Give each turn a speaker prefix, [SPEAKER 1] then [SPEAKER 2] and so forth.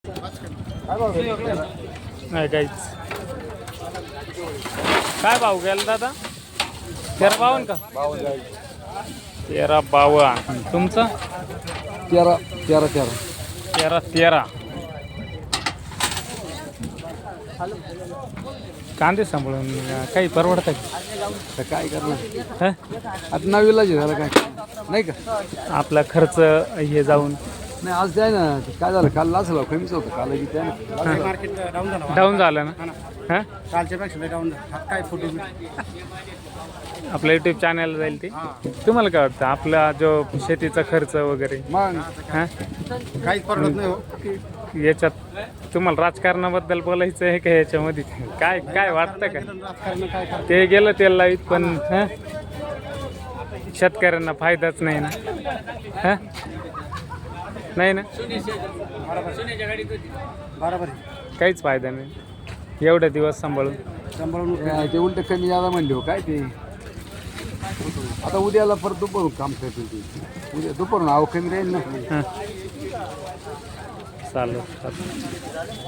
[SPEAKER 1] नाही काहीच. काय भाव गेला दादा? 1352 का? 1352. तुमचं? 13. कांदे सांभाळून काही परवडतं का?
[SPEAKER 2] काय करणार
[SPEAKER 1] हं?
[SPEAKER 2] आता नवीला झालं काय नाही का
[SPEAKER 1] आपला खर्च हे जाऊन
[SPEAKER 2] नाही आज द्याय ना काय झालं काल लाचला कमीच होतं काल की द्या ना
[SPEAKER 3] मार्केट डाऊन झालं
[SPEAKER 1] डाऊन झालं ना. हां,
[SPEAKER 3] कालच्या पेक्षा डाऊन झालं काय फोटो
[SPEAKER 1] आपलं यूट्यूब चॅनल जाईल ते. तुम्हाला काय वाटतं आपला जो शेतीचा खर्च वगैरे
[SPEAKER 2] मग
[SPEAKER 1] हां
[SPEAKER 3] काहीच परवडत नाही हो.
[SPEAKER 1] याच्यात तुम्हाला राजकारणाबद्दल बोलायचं आहे का याच्यामध्ये? काय काय वाटतं का?
[SPEAKER 3] राजकारण काय करत
[SPEAKER 1] ते गेलं त्याला लाईत पण हं? शेतकऱ्यांना फायदाच नाही ना. हं? नाही ना,
[SPEAKER 3] बरोबर आहे
[SPEAKER 1] काहीच फायदा नाही एवढे दिवस सांभाळून.
[SPEAKER 3] सांभाळून
[SPEAKER 2] ते उलट कमी जादा म्हणले हो काय ते आता उद्याला परत दुपारून काम करतील ते उद्या दुपारून आव कमी राहील ना.
[SPEAKER 1] हं. चालेल.